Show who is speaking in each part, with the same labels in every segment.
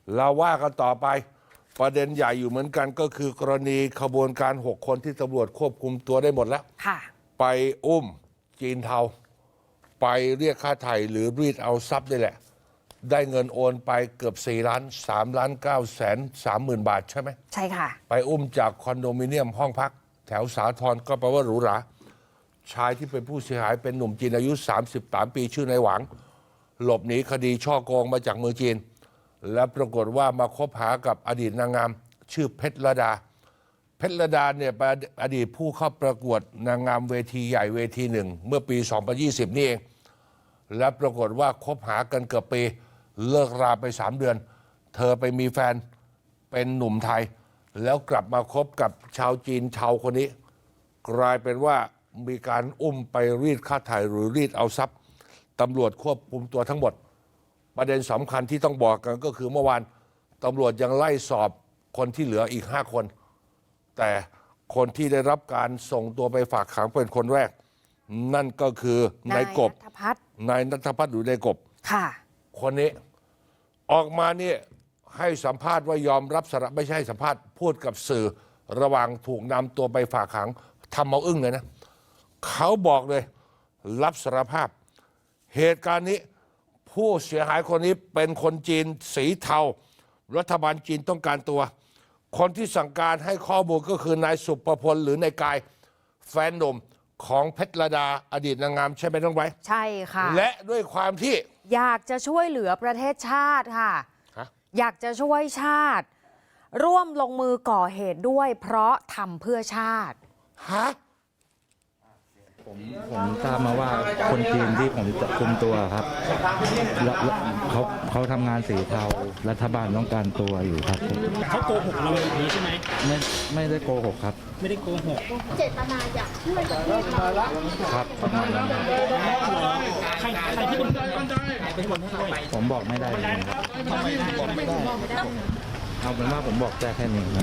Speaker 1: เราว่ากันต่อไปประเด็นใหญ่อยู่เหมือนกันก็คือกรณีขบวนการ6 คนที่ตำรวจควบคุมตัวได้หมดแล้วไปอุ้มจีนเทาไปเรียกค่าไถ่หรือรีดเอาทรัพย์นี่แหละได้เงินโอนไปเกือบ4 ล้าน3,930,000 บาทใช่ไหม
Speaker 2: ใช่ค่ะ
Speaker 1: ไปอุ้มจากคอนโดมิเนียมห้องพักแถวสาทรก็แปลว่าหรูหราชายที่เป็นผู้เสียหายเป็นหนุ่มจีนอายุ33 ปีชื่อนายหวังหลบหนีคดีช่อโกงมาจากเมืองจีนและปรากฏว่ามาคบหากับอดีตนางงามชื่อเพชรลดาเนี่ยเป็นอดีตผู้เข้าประกวดนางงามเวทีใหญ่เวทีหนึ่งเมื่อปี 2020 นี่เองและปรากฏว่าคบหากันเกือบปีเลิกราไป3 เดือนเธอไปมีแฟนเป็นหนุ่มไทยแล้วกลับมาคบกับชาวจีนชาวคนนี้กลายเป็นว่ามีการอุ้มไปรีดค่าไถ่หรือรีดเอาทรัพย์ตำรวจควบคุมตัวทั้งหมดประเด็นสำคัญที่ต้องบอกกันก็คือเมื่อวานตำรวจยังไล่สอบคนที่เหลืออีก5 คนแต่คนที่ได้รับการส่งตัวไปฝากขังเป็นคนแรกนั่นก็คือนายกบนายณัฐพัฒน์หรือนายกบคนนี้ออกมาเนี่ยให้สัมภาษณ์ว่ายอมรับสารภาพไม่ใช่สัมภาษณ์พูดกับสื่อระหว่างถูกนำตัวไปฝากขังทำเอาอึ้งเลยนะเขาบอกเลยรับสารภาพเหตุการณ์นี้ผู้เสียหายคนนี้เป็นคนจีนสีเทารัฐบาลจีนต้องการตัวคนที่สั่งการให้ข้อมูลก็คือนายสุภพลหรือนายกายแฟนหนุ่มของเพชรลดาอดีตนางงามใช่ไหมน้องไบร์ท
Speaker 2: ใช่ค่ะ
Speaker 1: และด้วยความที่
Speaker 2: อยากจะช่วยเหลือประเทศชาติค่ะอยากจะช่วยชาติร่วมลงมือก่อเหตุด้วยเพราะทำเพื่อชาติ
Speaker 3: ผมทราบมาว่าคนจีนที่ผมจะคุมตัวครับเขาทำงานสีเทารัฐบาลต้องการตัวอยู่ครับ
Speaker 4: เขาโกหกเราอย่างนี้ใช่ไหม
Speaker 3: ไม่ได้โกหกครับ
Speaker 4: ไม่ได้โกหก
Speaker 5: เจตนาอยากช่วยประเทศเรา
Speaker 3: ครับประมาณนั้น
Speaker 4: ใครที่เป็นคนช่วย
Speaker 3: ผมบอกไม่ได้เลยครับเอาเป็นว่าผมบอกแค่นี้ครับ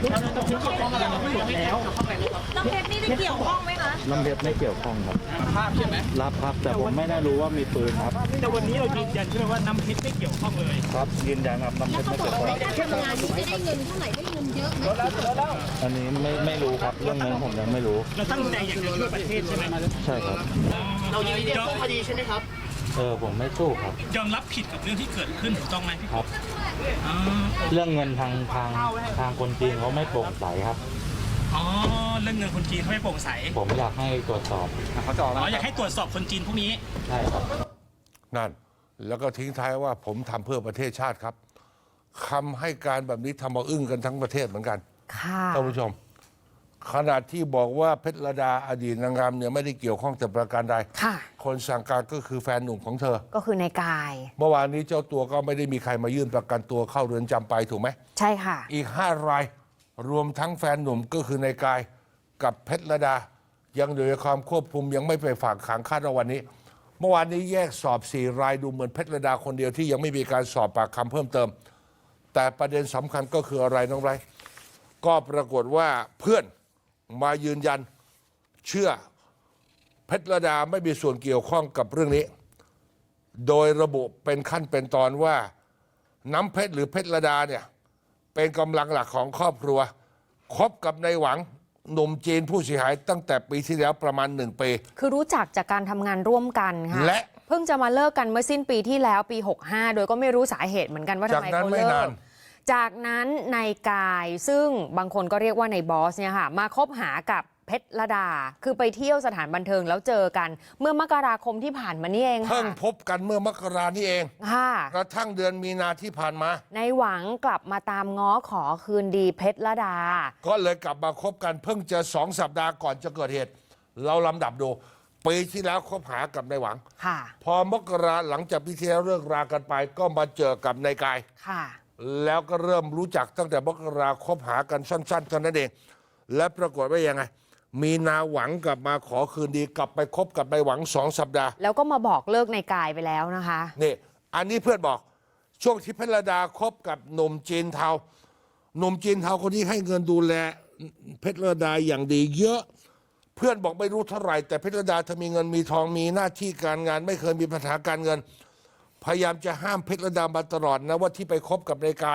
Speaker 5: น้ำเพชรนี่ได้เกี่ยวข้องไหมคะ
Speaker 3: น้ำเพชรไม่เกี่ยวข้องครับ
Speaker 4: ภาพใช่ไหม
Speaker 3: รับครับแต่ผมไม่ได้รู้ว่ามีปืนครับ
Speaker 4: แต่วันนี้เรายืนยันใช่ไหมว่าน้ำเพชรไม่เกี่ยวข้องเลย
Speaker 3: ครับยืนยันครับน้ำเพชรไม่เกี่ยวข้อง
Speaker 5: แล้วเขาบอกว่าในการทำงานนี้จะได้เงินเท่าไหร่ได้เงินเยอะไหม
Speaker 3: อันนี้ไม่รู้ครับเรื่องนี้ผมยังไม่รู้
Speaker 4: เราตั้งใจอยากจะช่วยประเทศใช่ไหม
Speaker 3: ใช่ครับ
Speaker 4: เรายืนยันสู้คดีใช่ไหมครับ
Speaker 3: ผมไม่สู้ครับ
Speaker 4: ยอมรับผิดกับเรื่องที่เกิดขึ้นถูกต้องไหมพี่
Speaker 3: ครับเรื่องเงินทางคนจีนเขาไม่โปร่งใสครับ
Speaker 4: เรื่องเงินคนจีนเขาไม่โปร่งใส
Speaker 3: ผมอยากให้ตรวจสอบ
Speaker 4: เขาจะอยากให้ตรวจสอบคนจีนพวกนี้
Speaker 3: ใช่ครับ
Speaker 1: นั่นแล้วก็ทิ้งท้ายว่าผมทำเพื่อประเทศชาติครับคำให้การแบบนี้ทำเอาอึ้งกันทั้งประเทศเหมือนกันท่านผู้ชมขณะที่บอกว่าเพชรลดาอดีตนางงามเนี่ยไม่ได้เกี่ยวข้องแต่ประการใดคนสั่งการก็คือแฟนหนุ่มของเธอ
Speaker 2: ก็คือนายกาย
Speaker 1: เมื่อวานนี้เจ้าตัวก็ไม่ได้มีใครมายื่นประกันตัวเข้าเรือนจำไปถูกไหม
Speaker 2: ใช่ค่ะ
Speaker 1: อีก5 รายรวมทั้งแฟนหนุ่มก็คือนายกายกับเพชรลดายังอยู่ในความควบคุมยังไม่ไปฝากขังคาดว่าวันนี้เมื่อวานนี้แยกสอบ4 รายดูเหมือนเพชรลดาคนเดียวที่ยังไม่มีการสอบปากคำเพิ่มเติมแต่ประเด็นสำคัญก็คืออะไรน้องไรก็ปรากฏว่าเพื่อนมายืนยันเชื่อเพชรลดาไม่มีส่วนเกี่ยวข้องกับเรื่องนี้โดยระบุเป็นขั้นเป็นตอนว่าน้ำเพชรหรือเพชรลดาเนี่ยเป็นกำลังหลักของครอบครัวคบกับนายหวังหนุ่มจีนผู้เสียหายตั้งแต่ปีที่แล้วประมาณ1 ปี
Speaker 2: คือรู้จักจากการทำงานร่วมกันค่ะและเพิ่งจะมาเลิกกันเมื่อสิ้นปีที่แล้วปี65โดยก็ไม่รู้สาเหตุเหมือนกันว่าทำไมเขาเลิกจากนั้นนายกายซึ่งบางคนก็เรียกว่านายบอสเนี่ยค่ะมาคบหากับเพชรลดาคือไปเที่ยวสถานบันเทิงแล้วเจอกันเมื่อมกราคมที่ผ่านมานี่เอง
Speaker 1: เพิ่งพบกันเมื่อมกรานี่เองกระทั่งเดือนมีนาที่ผ่านมาน
Speaker 2: ายหวังกลับมาตามง้อขอคืนดีเพชรลดา
Speaker 1: ก็เลยกลับมาคบกันเพิ่งจะ2 สัปดาห์ก่อนจะเกิดเหตุเราลำดับดูปีที่แล้วคบหากับนายหวังพอมกราหลังจากปีที่แล้วเลิกรากันไปก็มาเจอกับนายกายแล้วก็เริ่มรู้จักตั้งแต่มกราคบหากันสั้นๆเท่านั้นเองและปรากฏว่ายังไงมีนาหวังกลับมาขอคืนดีกลับไปคบกับนายหวัง2 สัปดาห์
Speaker 2: แล้วก็มาบอกเลิกนายกายไปแล้วนะคะ
Speaker 1: นี่อันนี้เพื่อนบอกช่วงที่เพชรลดาคบกับหนุ่มจีนเทาหนุ่มจีนเทาคนนี้ให้เงินดูแลเพชรลดาอย่างดีเยอะเพื่อนบอกไม่รู้เท่าไหร่แต่เพชรลดาเธอมีเงินมีทองมีหน้าที่การงานไม่เคยมีปัญหาการเงินพยายามจะห้ามเพชรลดามาตลอดนะว่าที่ไปคบกับนายกายเนี่ย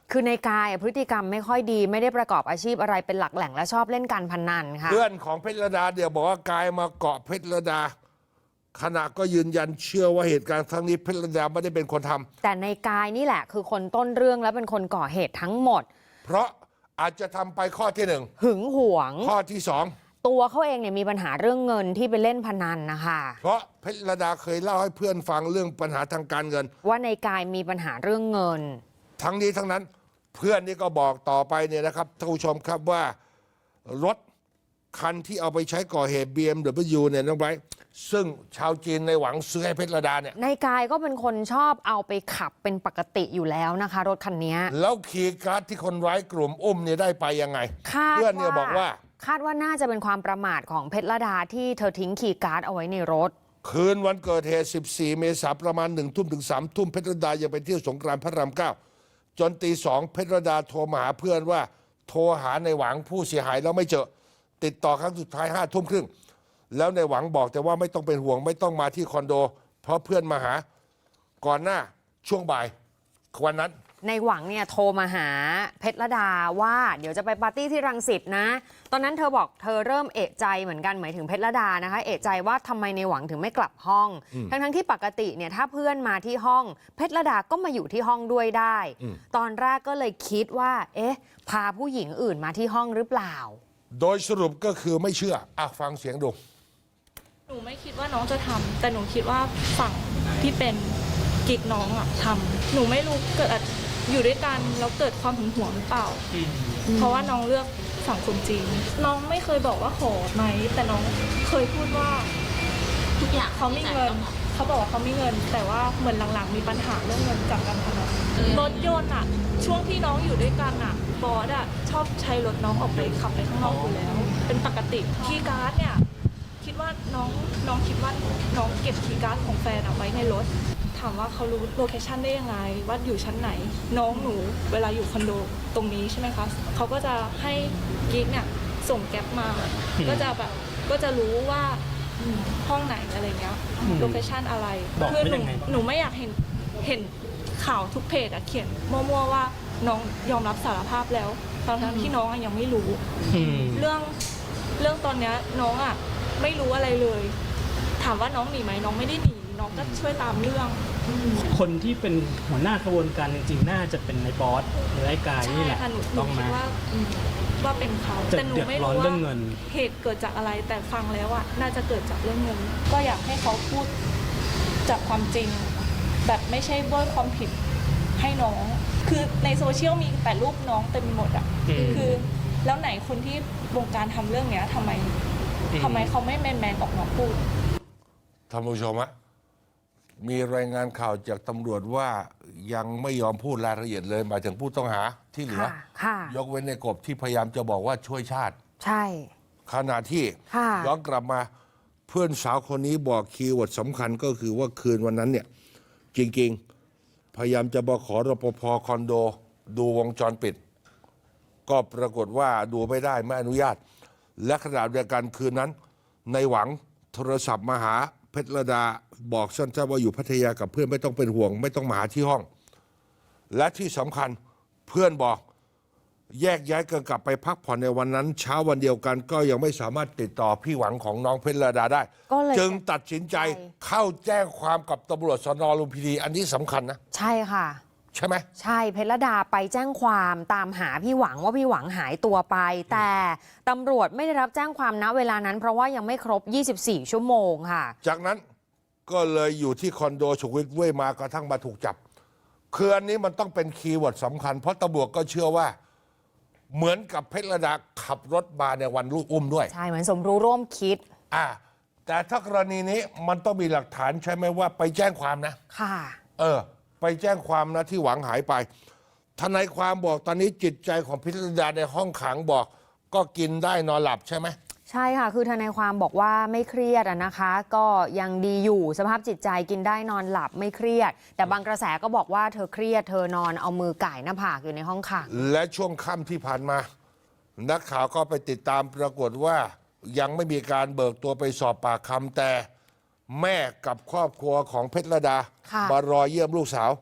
Speaker 2: คือในกายพฤติกรรมไม่ค่อยดีไม่ได้ประกอบอาชีพอะไรเป็นหลักแหล่งและชอบเล่นการพนันค่ะ
Speaker 1: เพื่อนของเพชรดาเดี๋ยวบอกว่ากายมาเกาะเพชรดาขณะก็ยืนยันเชื่อว่าเหตุการณ์ครั้งนี้เพชรดาไม่ได้เป็นคนทำ
Speaker 2: แต่ในกายนี่แหละคือคนต้นเรื่องและเป็นคนก่อเหตุทั้งหมด
Speaker 1: เพราะอาจจะทำไปข้อที่หนึ่ง
Speaker 2: หึงหวง
Speaker 1: ข้อที่สอง
Speaker 2: ตัวเขาเองเนี่ยมีปัญหาเรื่องเงินที่ไปเล่นพนันนะคะ
Speaker 1: เพราะเพชรดาเคยเล่าให้เพื่อนฟังเรื่องปัญหาทางการเงิน
Speaker 2: ว่าในกายมีปัญหาเรื่องเงิน
Speaker 1: ทั้งนี้ทั้งนั้นเพื่อนนี่ก็บอกต่อไปเนี่ยนะครับท่านผู้ชมครับว่ารถคันที่เอาไปใช้ก่อเหตุ BMW เนี่ยน้องไบรท์ซึ่งชาวจีนในหวังซื้อให้เพชรดาเนี่ย
Speaker 2: ในกายก็เป็นคนชอบเอาไปขับเป็นปกติอยู่แล้วนะคะรถคันนี้
Speaker 1: แล้วคีย์การ์ดที่คนร้ายกลุ่มอุ้มเนี่ยได้ไปยังไงเพื่อนเนี่ยบอกว่า
Speaker 2: คาดว่าน่าจะเป็นความประมาทของเพชรดาที่เธอทิ้งคีย์การ์ดเอาไว้ในรถ
Speaker 1: คืนวันเกิดเหตุ14 เมษายนประมาณ 1 ทุ่มถึง 3 ทุ่มเพชรดายังไปเที่ยวสงกรานต์พระราม 9จนตี 2เพชรดาโทรมาหาเพื่อนว่าโทรหาในหวังผู้เสียหายแล้วไม่เจอติดต่อครั้งสุดท้าย5 ทุ่มครึ่งแล้วในหวังบอกแต่ว่าไม่ต้องเป็นห่วงไม่ต้องมาที่คอนโดเพราะเพื่อนมาหาก่อนหน้าช่วงบ่ายวันนั้น
Speaker 2: ในหวังเนี่ยโทรมาหาเพชรดาว่าเดี๋ยวจะไปปาร์ตี้ที่รังสิตนะตอนนั้นเธอบอกเธอเริ่มเอะใจเหมือนกันหมายถึงเพชรดานะคะเอะใจว่าทำไมในหวังถึงไม่กลับห้องทั้งที่ปกติเนี่ยถ้าเพื่อนมาที่ห้องเพชรดาก็มาอยู่ที่ห้องด้วยได้ตอนแรกก็เลยคิดว่าเอ๊ะพาผู้หญิงอื่นมาที่ห้องหรือเปล่า
Speaker 1: โดยสรุปก็คือไม่เชื่อฟังเสียงดู
Speaker 5: หนูไม่คิดว่าน้องจะทำแต่หนูคิดว่าฝั่งที่เป็นกิ๊กน้องทำหนูไม่รู้เกิดอยู่ด้วยกันแล้วเกิดความหึงหวงหรือเปล่าเพราะว่าน้องเลือกฝั่งคนจีนน้องไม่เคยบอกว่าขอไหมแต่น้องเคยพูดว่าทุกอย่างเขาไม่เงินเขาบอกว่าเขาไม่เงินแต่ว่าเหมือนหลังๆมีปัญหาเรื่องเงินจากการพนันรถยนต์ช่วงที่น้องอยู่ด้วยกันบอสชอบใช้รถน้องออกไปขับไปข้างนอกอยู่แล้วเป็นปกติคีย์การ์ดเนี่ยคิดว่าน้องคิดว่าน้องเก็บคีย์การ์ดของแฟนไว้ในรถถามว่าเขารู้โลเคชันได้ยังไงว่าอยู่ชั้นไหนน้องหนูเวลาอยู่คอนโดตรงนี้ใช่ไหมคะเขาก็จะให้กิ๊กเนี่ยส่งแก๊ปมาก็จะรู้ว่าห้องไหนอะไรเงี้ยโลเคชันอะไรคือหนูไม่อยากเห็นข่าวทุกเพจเขียนมั่วๆว่าน้องยอมรับสารภาพแล้วตอนนั้นที่น้องยังไม่รู้เรื่องตอนนี้น้องไม่รู้อะไรเลยถามว่าน้องหนีไหมน้องไม่ได้หนีน้องก็ช่วยตามเรื่อง
Speaker 3: คนที่เป็นหัวหน้ากระบวนการจริงๆน่าจะเป็นในบอสหรือไอ้กายนี่แหละ
Speaker 5: ต้องมาว่าเป็นเขาแต่หนูไม่รู้ว่าเหตุเกิดจากอะไรแต่ฟังแล้วน่าจะเกิดจากเรื่องเงินก็อยากให้เขาพูดจากความจริงแบบไม่ใช่โบยความผิดให้น้องคือในโซเชียลมีแต่รูปน้องเต็มหมดคือแล้วไหนคนที่วงการทำเรื่องเนี้ยทำไมเขาไม่แมนออกมาพูด
Speaker 1: ท่านผู้ชมมีรายงานข่าวจากตำรวจว่ายังไม่ยอมพูดรายละเอียดเลยหมายถึงผู้ต้องหาที่เหลือยกเว้นในกบที่พยายามจะบอกว่าช่วยชาติ
Speaker 2: ใช่
Speaker 1: ขณะที่ย้อนกลับมาเพื่อนสาวคนนี้บอกคีย์เวิร์ดสำคัญก็คือว่าคืนวันนั้นเนี่ยจริงๆพยายามจะบอกขอรปภคอนโดดูวงจรปิดก็ปรากฏว่าดูไม่ได้ไม่อนุญาตและขณะเดียวกันคืนนั้นในหวังโทรศัพท์มาหาเพชรดาบอกสั้นๆว่าอยู่พัทยากับเพื่อนไม่ต้องเป็นห่วงไม่ต้องมาหาที่ห้องและที่สำคัญเพื่อนบอกแยกย้ายกันกลับไปพักผ่อนในวันนั้นเช้าวันเดียวกันก็ยังไม่สามารถติดต่อพี่หวังของน้องเพชรดาได้จึงตัดสินใจเข้าแจ้งความกับตำรวจสน.ลุมพินีอันนี้สำคัญนะ
Speaker 2: ใช่ค่ะ
Speaker 1: ใช่ไหม
Speaker 2: ใช่เพชรดาไปแจ้งความตามหาพี่หวังว่าพี่หวังหายตัวไปแต่ตำรวจไม่ได้รับแจ้งความณเวลานั้นเพราะว่ายังไม่ครบ24ชั่วโมงค่ะ
Speaker 1: จากนั้นก็เลยอยู่ที่คอนโดสุขวิทเว้ยมากระทั่งมาถูกจับคืออันนี้มันต้องเป็นคีย์เวิร์ดสำคัญเพราะตำรวจก็เชื่อว่าเหมือนกับเพชรดาขับรถมาในวันลูกอุ้มด้วย
Speaker 2: ใช่เหมือนสมรู้ร่วมคิด
Speaker 1: แต่ถ้ากรณีนี้มันต้องมีหลักฐานใช่ไหมว่าไปแจ้งความนะ
Speaker 2: ค่ะ
Speaker 1: ไปแจ้งความนะที่หวังหายไปทนายความบอกตอนนี้จิตใจของเพชรดาในห้องขังบอกก็กินได้นอนหลับใช่ไหม
Speaker 2: ใช่ค่ะคือทนายความบอกว่าไม่เครียดนะคะก็ยังดีอยู่สภาพจิตใจกินได้นอนหลับไม่เครียดแต่บางกระแสก็บอกว่าเธอเครียดเธอนอนเอามือก่ายหน้าผากอยู่ในห้องขัง
Speaker 1: และช่วงค่ำที่ผ่านมานักข่าวก็ไปติดตามปรากฏว่ายังไม่มีการเบิกตัวไปสอบปากคำแต่แม่กับครอบครัวของเพชรดามารอเยี่ยมลูกสาว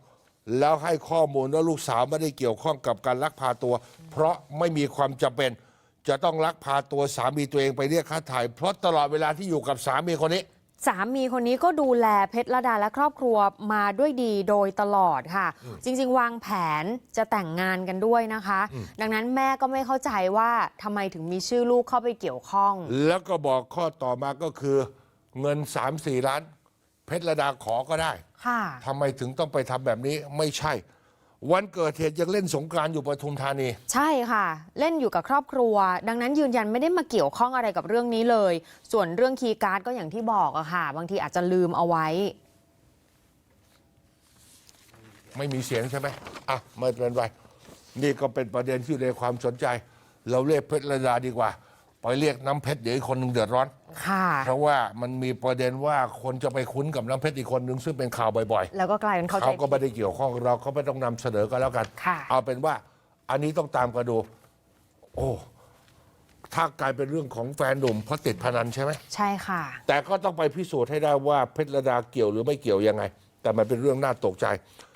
Speaker 1: แล้วให้ข้อมูลว่าลูกสาวไม่ได้เกี่ยวข้องกับการลักพาตัว เพราะไม่มีความจำเป็น จะต้องลักพาตัวสามีตัวเองไปเรียกค่าไถ่เพราะตลอดเวลาที่อยู่กับสามีคนนี้
Speaker 2: สามีคนนี้ก็ดูแลเพชรระดาและครอบครัวมาด้วยดีโดยตลอดค่ะ จริงๆ วางแผนจะแต่งงานกันด้วยนะคะ ดังนั้นแม่ก็ไม่เข้าใจว่าทำไมถึงมีชื่อลูกเข้าไปเกี่ยวข้อง
Speaker 1: แล้วก็บอกข้อต่อมาก็คือเงิน 3-4 ล้าน เพชรระดาขอก็ได้
Speaker 2: ค่ะ
Speaker 1: ทำไมถึงต้องไปทำแบบนี้ไม่ใช่ วันเกิดเหตุยังเล่นสงกรานต์อยู่ปทุมธานี
Speaker 2: ใช่ค่ะ เล่นอยู่กับครอบครัว ดังนั้นยืนยันไม่ได้มาเกี่ยวข้องอะไรกับเรื่องนี้เลย ส่วนเรื่องคีย์การ์ดก็อย่างที่บอกอะค่ะ บางทีอาจจะลืมเอาไว้
Speaker 1: ไม่มีเสียงใช่ไหมอ่ะไม่เป็นไรนี่ก็เป็นประเด็นที่อยู่ในความสนใจ เราเรียกเพชรระดาดีกว่า ไปเรียกน้ำเพชรเดี๋ยวอีกคนหนึ่งเดือดร้อน
Speaker 2: ค่ะ
Speaker 1: เพราะว่ามันมีประเด็นว่าคนจะไปคุ้นกับน้ำเพชรอีกคนหนึ่งซึ่งเป็นข่าวบ่อย
Speaker 2: แล้วก็กลายเป็น
Speaker 1: ๆ
Speaker 2: เข้าใจ
Speaker 1: เขาก็
Speaker 2: ผิ
Speaker 1: ไม่
Speaker 2: ด
Speaker 1: ได้เกี่ยวข้องเราก็ไม่ต้องนำเสนอกันแล้วกัน
Speaker 2: ค่ะ
Speaker 1: เอาเป็นว่าอันนี้ต้องตามกันดู โอ้ถ้ากลายเป็นเรื่องของแฟนหนุ่มเพราะติดพนันใช่ไหม
Speaker 2: ใช่ค่ะ
Speaker 1: แต่ก็ต้องไปพิสูจน์ให้ได้ว่าเพชรระดาเกี่ยวหรือไม่เกี่ยวยังไง แต่มันเป็นเรื่องน่าตกใจ